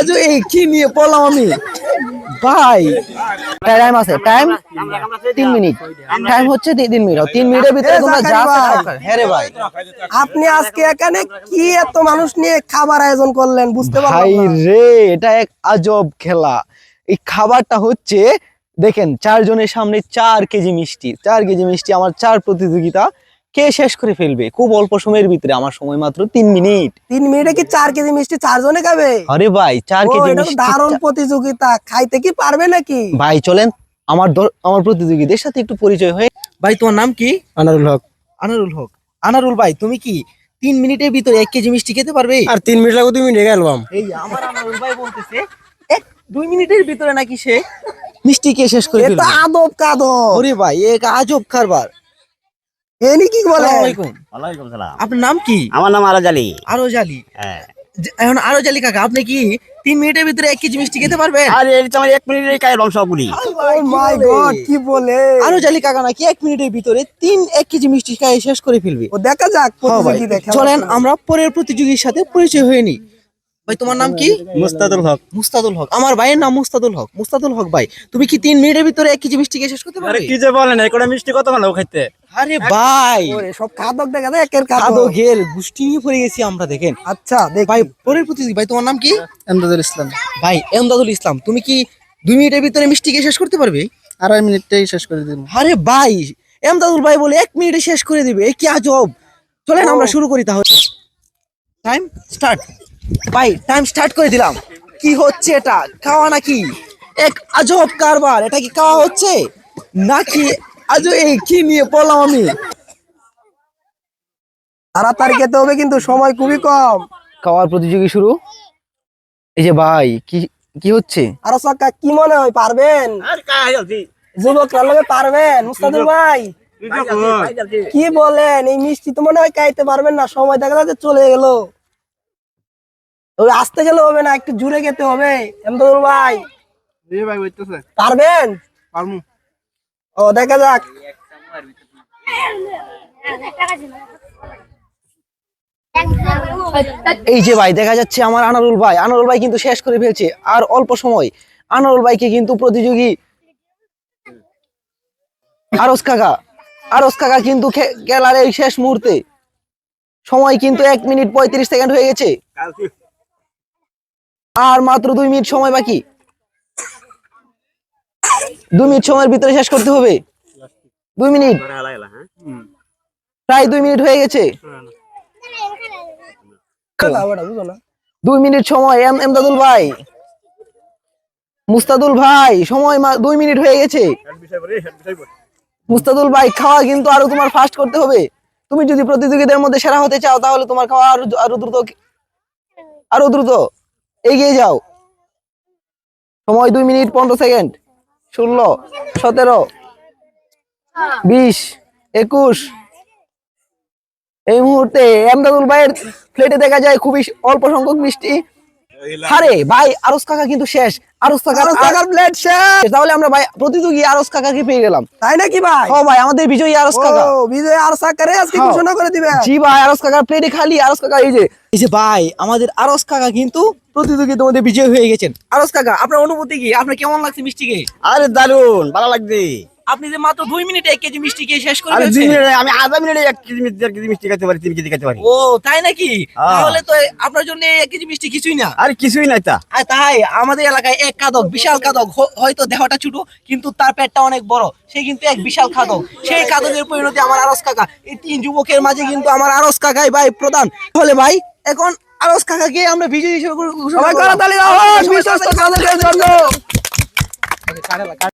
আজ এই কি নিয়ে পড়লাম আমি ভাই। টাইম আছে, টাইম 3 মিনিট, টাইম হচ্ছে 3 মিনিট। 3 মিনিটের ভিতরে তোমরা যা হ্যাঁ রে ভাই। আপনি আজকে এখানে কি এত মানুষ নিয়ে খাবার আয়োজন করলেন বুঝতে পারলাম ভাই না। রে, এটা এক আজব খেলা। এই খাবারটা হচ্ছে দেখেন 4 জনের সামনে 4 কেজি মিষ্টি, 4 কেজি মিষ্টি আমার 4 প্রতিযোগিতা কে শেষ করে ফেলবে খুব অল্প সময়ের ভিতরে। আমার সময় মাত্র 3 মিনিট। 3 মিনিটে কি 4 কেজি মিষ্টি 4 জনে খাবে? আরে ভাই 4 কেজি এটা তো মিষ্টি দারুণ প্রতিযোগিতা, খাইতে কি পারবে নাকি? ভাই চলেন আমার প্রতিযোগীদের সাথে একটু পরিচয় হয়ে। ভাই তোমার নাম কি? আনারুল হক। আনারুল হক। আনারুল ভাই তুমি কি 3 মিনিটের ভিতরে 1 কেজি মিষ্টি খেতে পারবে? আর 3 মিনিট লাগবে, 2 মিনিটে গেলাম। এই আমার আনারুল ভাই বলতেছে 2 মিনিটের ভিতরে নাকি সে মিষ্টি কে শেষ করে এটা ফেলবে। আদব কাদব। ওরে ভাই এক আজব কারবার। এনি কি বলে? আসসালামু আলাইকুম। ওয়ালাইকুম সালাম। আপনার নাম কি? আমার নাম আরাজ আলী। আরজ আলী। হ্যাঁ। এখন আরজ আলী কাকা আপনি কি 3 মিনিটের ভিতরে 1 কেজি মিষ্টি খেতে পারবেন? আর এই তো আমার 1 মিনিটেই খাইলাম সবগুলি। ও মাই গড, কি বলে? আরজ আলী কাকা নাকি 1 মিনিটের ভিতরে 1 কেজি মিষ্টি খাই শেষ করে ফেলবে। ও দেখা যাক হ্যাঁ ভাই, প্রতিযোগী দেখা। চলেন আমরা পরের প্রতিযোগীর সাথে পরিচয় হয়ে নিই। ভাই তোমার নাম কি? মুস্তাদুল হক। মুস্তাদুল হক। আমার ভাইয়ের নাম মুস্তাদুল হক। মুস্তাদুল হক ভাই তুমি কি 3 মিনিটের ভিতরে 1 কেজি মিষ্টি শেষ করতে আরে পারবে? কি যে বলেন, এই কোটা মিষ্টি কত ভালো খাইতে। আরে ভাই ওরে সব খাদক দেখা যায়, একের খাদক। খাদো গেল গুষ্টি নিয়ে পড়ে গেছি আমরা দেখেন। আচ্ছা দেখ ভাই পরের প্রতিযোগী ভাই তোমার নাম কি? এমদাদুল ইসলাম। ভাই এমদাদুল ইসলাম তুমি কি 2 মিনিটের ভিতরে মিষ্টি শেষ করতে পারবে? 2.5 মিনিটেই শেষ করে দিন। আরে ভাই এমদাদুল ভাই বলে 1 মিনিটে শেষ করে দিবে, এ কি আজব। চলেন আমরা শুরু করি তাহলে। Time start. ভাই টাইম স্টার্ট করে দিলাম। কি হচ্ছে এটা, খাওয়া নাকি? এক আজব কারবার। এটা কি খাওয়া হচ্ছে নাকি আজ এই কি নিয়ে পড়লাম আমি। তাড়াতাড়ি খেতে হবে কিন্তু সময় খুবই কম। খাওয়ার প্রতিযোগী শুরু। এই যে ভাই কি কি হচ্ছে? আর সক্কা কি মনে হয় পারবেন? আর কাই আছি। যুবকরা লগে পারবেন? মুস্তাদুল ভাই কি বলেন? এই মিষ্টি তো মনে হয় খাইতে পারবেন না, সময় দেখা যাচ্ছে চলে গেল। ওই আসতে গেলে হবে না, একটু জুড়ে খেতে হবে। এমদাদুল ভাই জি ভাই বলতেছে। পারবেন? পারমু। ও দেখা যাক। এই যে ভাই দেখা যাচ্ছে আমার আনারুল ভাই কিন্তু শেষ করে ফেলছে আর অল্প সময়। আনারুল ভাইকে কিন্তু প্রতিযোগী আরজ কাকা কিন্তু খেলার এই শেষ মুহূর্তে সময় কিন্তু 1 মিনিট 35 সেকেন্ড হয়ে গেছে। আর মাত্র 2 মিনিট সময় বাকি। 2 মিনিট সময়ের ভিতরে শেষ করতে হবে। 2 মিনিট, প্রায় 2 মিনিট হয়ে গেছে। 2 মিনিট সময়। এমদাদুল ভাই, মুস্তাদুল ভাই সময় 2 মিনিট হয়ে গেছে। মুস্তাদুল ভাই খাওয়া কিন্তু আরো তোমার ফাস্ট করতে হবে। তুমি যদি প্রতিযোগীদের মধ্যে সেরা হতে চাও তাহলে তোমার খাওয়া আরো দ্রুত এগিয়ে যাও। সময় 2 মিনিট 15 সেকেন্ড। 16, 17, 20, 21। এই মুহূর্তে এমদাদুল ভাইয়ের প্লেটে দেখা যায় খুবই অল্প সংখ্যক মিষ্টি। আরে ভাই আরজ কাকা কিন্তু শেষ। আরজ কাকার প্লেট শেষ। তাহলে আমরা ভাই প্রতিযোগী আরজ কাকাকে পেয়ে গেলাম, তাই নাকি ভাই? ও ভাই আমাদের বিজয়ী আরজ কাকা। ও বিজয় আর সাকারে আজকে হ্যাঁ। ঘোষণা করে দিবে। জি ভাই আরজ কাকার প্লেটে খালি। আরজ কাকা এই যে ভাই আমাদের আরজ কাকা কিন্তু প্রতিযোগিতার মধ্যে বিজয় হয়ে গেছেন। আরজ কাকা আপনার অনুভূতি কি? আপনার কেমন লাগছে মিষ্টি খেয়ে? আরে দারুন ভালো লাগছে। আপনি যে মাত্র 2 মিনিটে 1 কেজি মিষ্টি খেয়ে শেষ করে আরে 2 ফেলছেন। মিনিটে আমি আধা মিনিটে 1 কেজি মিষ্টি 1 কেজি মিষ্টি খেতে পারি, 3 কেজি খেতে পারি। ও তাই নাকি? হ্যাঁ। তাহলে তো আপনার জন্য 1 কেজি মিষ্টি কিছুই না। আরে কিছুই নাই তা। আর তাই আমাদের এলাকায় এক কাদক, বিশাল কাদক, হয়তো দেহটা ছোট কিন্তু তার পেটটা অনেক বড়, সে কিন্তু এক বিশাল খাদক। সেই খাদকের পরিণতি আমার আরজ কাকা। এই 3 যুবকের মাঝে কিন্তু আমার আরজ কাকাই ভাই প্রধান। তাহলে ভাই এখন আরজ কাকাকে আমরা বিজয়ী হিসেবে ঘোষণা সবাই করলাম। করতালি দাও বিশ্বস্ত কাদের জন্য।